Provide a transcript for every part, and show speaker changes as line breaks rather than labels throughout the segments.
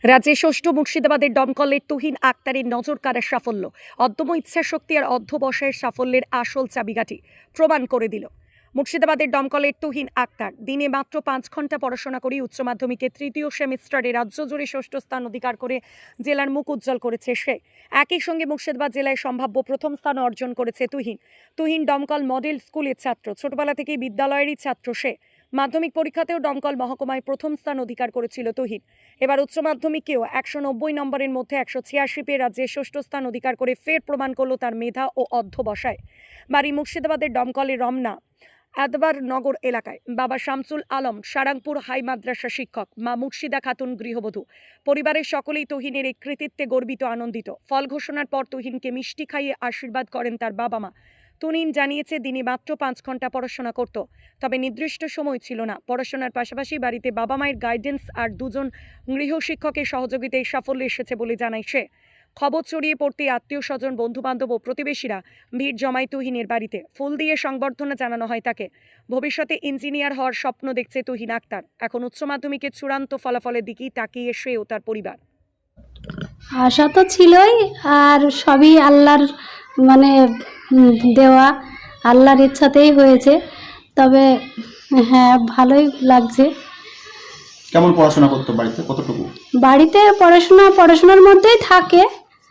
রাজ্যে ষষ্ঠ মুর্শিদাবাদের দমকলের তুহিন আক্তারের নজর কাড়া সাফল্য, অদম্য ইচ্ছাশক্তি আর অধ্যবসায়ের সাফল্যের আসল চাবিকাঠি প্রমাণ করে দিল। মুর্শিদাবাদের দমকলের তুহিন আক্তার দিনে মাত্র 5 ঘন্টা পড়াশোনা করে উচ্চ মাধ্যমিকে তৃতীয় সেমিস্টারে রাজ্য জুড়ে ষষ্ঠ স্থান অধিকার করে জেলার মুখ উজ্জ্বল করেছে সে। একই সঙ্গে মুর্শিদাবাদ জেলায় সম্ভাব্য প্রথম স্থান অর্জন করেছে তুহিন দমকল মডেল স্কুলের ছাত্র, ছোটবেলা থেকেই বিদ্যালয়েরই ছাত্র সে। মাধ্যমিক পরীক্ষাতেও দমকল মহকুমায় প্রথম স্থান অধিকার করেছিল তুহিন। এবার উচ্চ মাধ্যমিকেও 190 নম্বরের মধ্যে 186 পেয়ে রাজ্যে ষষ্ঠ স্থান অধিকার করে ফের প্রমাণ করল তার মেধা ও অধ্যবসায়। বাড়ি মুর্শিদাবাদের দমকলের রমনা আদবার নগর এলাকায়। বাবা শামসুল আলম সারাংপুর হাই মাদ্রাসা শিক্ষক, মা মুর্শিদা খাতুন গৃহবধূ। পরিবারের সকলেই তুহিনের এই কৃতিত্বে গর্বিত, আনন্দিত। ফল ঘোষণার পর তুহিনকে মিষ্টি খাইয়ে আশীর্বাদ করেন তার বাবা মা। তুহিন জানিয়েছে দিনে মাত্র 5 ঘন্টা পড়াশোনা করত, তবে নির্দিষ্ট সময় ছিল না। পড়াশোনার পাশাপাশি বাড়িতে বাবা মায়ের গাইডেন্স আর 2 জন গৃহশিক্ষকের সহযোগিতায় সাফল্য এসেছে বলে জানায় সে। খবর ছড়িয়ে পড়তে আত্মীয় স্বজন, বন্ধুবান্ধব ও প্রতিবেশীরা ভিড় জমায় তুহিনের বাড়িতে। ফুল দিয়ে সংবর্ধনা জানানো হয় তাকে। ভবিষ্যতে ইঞ্জিনিয়ার হওয়ার স্বপ্ন দেখছে তুহিন আক্তার। এখন উচ্চ মাধ্যমিকের চূড়ান্ত ফলাফলের দিকেই তাকিয়ে সে ও তার পরিবার।
আশা তো ছিলই, আর সবই আল্লাহর দেওয়া, আল্লাহর ইচ্ছাতেই হয়েছে। তবে হ্যাঁ, ভালোই লাগছে।
কেমন পড়াশোনা করতো বাড়িতে, কতটুকু?
বাড়িতে পড়াশোনার মধ্যেই থাকে।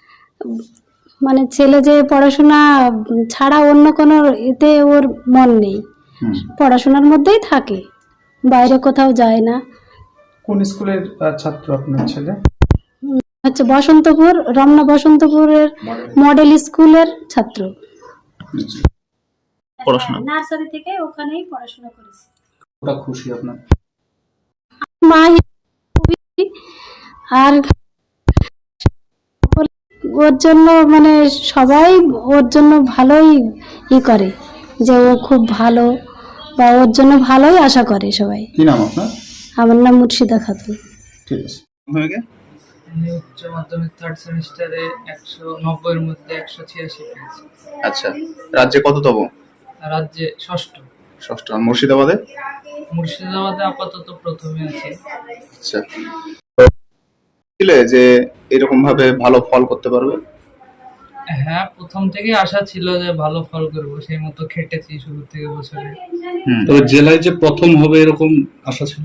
ছেলে যে পড়াশোনা ছাড়া অন্য কোনো এতে ওর মন নেই, পড়াশোনার মধ্যেই থাকে, বাইরে কোথাও যায় না।
কোন স্কুলের ছাত্র আপনার ছেলে?
হচ্ছে বসন্তপুর, রমনা বসন্তপুরের মডেল স্কুলের ছাত্র।
পড়াশোনা
নার্সারি থেকে ওখানেই পড়াশোনা করেছে।
ওটা খুশি আপনার
মা? আর ওর জন্য সবাই ওর জন্য ভালোই করে, যে ও খুব ভালো, বা ওর জন্য ভালোই আশা করে সবাই।
কি নাম আপনার?
আমার নাম মুর্শিদা খাতুন।
ঠিক আছে।
আমি উচ্চ মাধ্যমিক 3rd সেমিস্টারে 190 এর মধ্যে 186 পেয়েছি।
আচ্ছা, রাজ্যে কততম?
রাজ্যে ষষ্ঠ।
আর মুর্শিদাবাদে?
মুর্শিদাবাদে আপাতত প্রথমে আছি।
আচ্ছা, যে এরকম ভাবে ভালো ফল করতে পারবে?
হ্যাঁ, প্রথম থেকে আশা ছিল যে ভালো ফল করব, সেই মতো খেটেছি শুরু থেকে বছরে।
তবে জেলায় যে প্রথম হবে এরকম আশা ছিল?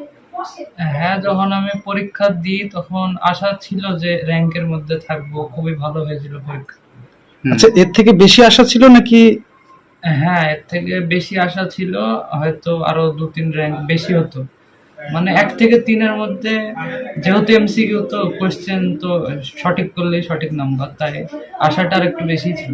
হ্যাঁ, যখন আমি পরীক্ষা দিই তখন আশা ছিল যে র্যাঙ্কের মধ্যে থাকবো, খুবই ভালো হয়েছিল পরীক্ষা।
আচ্ছা, এর থেকে বেশি আশা ছিল নাকি?
হ্যাঁ, এর থেকে বেশি আশা ছিল, হয়তো আরো 2-3 র্যাঙ্ক বেশি হতো। 1 থেকে 3 এর মধ্যে, যেহেতু এমসিকিউ তো কোশ্চেন, তো সঠিক করলেই সঠিক নাম্বার, তাই আশাটা আর একটু বেশি ছিল।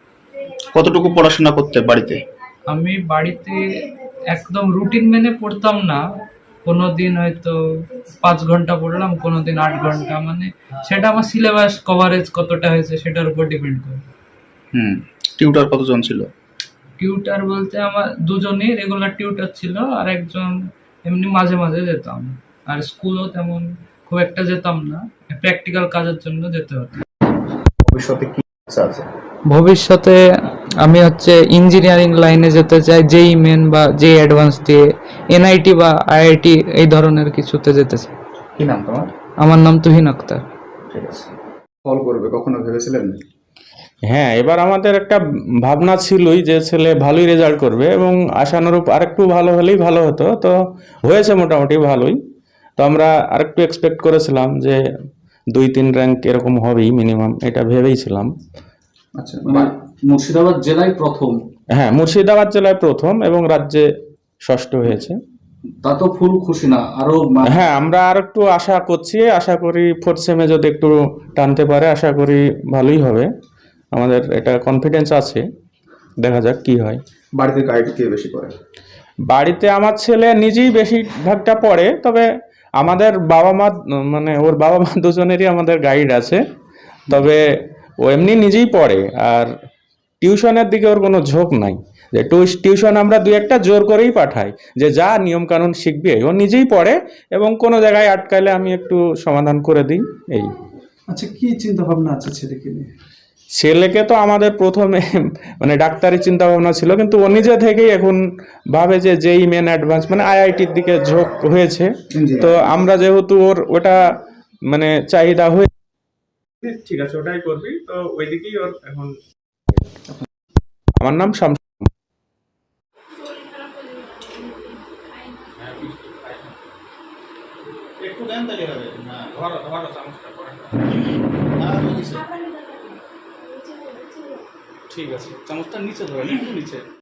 কতটুকু পড়াশোনা করতে বাড়িতে?
আমি বাড়িতে একদম রুটিন মেনে পড়তাম না। কোনোদিন হয়তো 5 ঘন্টা পড়লাম, কোনোদিন 8 ঘন্টা, সেটা আমার সিলেবাস কভারেজ কতটা হয়েছে সেটার উপর ডিপেন্ড করে।
টিউটর কতজন ছিল?
টিউটার বলতে আমার 2 জনই রেগুলার টিউটার ছিল, আর একজন এমনি মাঝে মাঝে যেতাম। আর স্কুলও তেমন খুব একটা যেতাম না, প্র্যাকটিক্যাল কাজের জন্য যেতে হতো।
ভবিষ্যতে কি ইচ্ছা আছে?
ভবিষ্যতে আমি ইঞ্জিনিয়ারিং লাইনে যেতে চাই, জেই মেন বা জেই অ্যাডভান্স দিয়ে এনআইটি বা আইআইটি এই ধরনের কিছুতে যেতে চাই।
কি নাম তোমার?
আমার নাম তুহিন আক্তার।
ঠিক আছে। ফল করবে কখনো ভেবেছিলেন?
হ্যাঁ, এবার আমাদের একটা ভাবনা ছিলই যে ছেলে ভালোই রেজাল্ট করবে এবং আশানুরূপ আরেকটু ভালো হলেই ভালো হতো। তো হয়েছে মোটামুটি ভালোই। তো আমরা আরেকটু এক্সপেক্ট করেছিলাম যে 2-3 র্যাঙ্ক এরকম হবেই মিনিমাম, এটা ভেবেইছিলাম।
আচ্ছা,
মুর্শিদাবাদ জেলায় প্রথম?
হ্যাঁ, মুর্শিদাবাদ জেলায় প্রথম এবং রাজ্যে ষষ্ঠ হয়েছে।
তা তো ফুল খুশি না? আরো
হ্যাঁ, আমরা আর একটু আশা করছি, আশা করি 4th সেমে যদি একটু টানতে পারে আশা করি ভালোই হবে। আমাদের এটা কনফিডেন্স আছে, দেখা যাক কি হয়।
বাড়িতে গাইড কে বেশি করে?
বাড়িতে আমার ছেলে নিজেই বেশিরভাগটা পড়ে, তবে আমাদের বাবা মা ওর বাবা মা দুজনেরই আমাদের গাইড আছে। তবে ও এমনি নিজেই পড়ে, আর টিউশনের দিকে ওর কোনো ঝোঁক নাই। যে টিউশন আমরা 2-1টা জোর করেই পাঠাই, যে যা নিয়ম কানুন শিখবে। ও নিজেই পড়ে এবং কোনো জায়গায় আটকালে আমি একটু সমাধান করে দিই, এই।
আচ্ছা, কি চিন্তা ভাবনা আছে ছেলেকে নিয়ে?
ছেলেকে তো আমাদের প্রথমে ডাক্তারি চিন্তা ভাবনা ছিল, কিন্তু ও নিজে থেকেই এখন ভাবে যে জেই মেন অ্যাডভান্স আইআইটির দিকে ঝোঁক হয়েছে। তো আমরা যেহেতু ওর ওটা মানে চাহিদা হয়ে, ঠিক আছে ওটাই করবি, তো ওইদিকেই ওর এখন। আমার নাম শামস।
একটু দেন তাহলে হবে না ধরো ধরো চামচটা করে
ঠিক আছে, চামচটা নিচে ধরেন, একটু নিচে।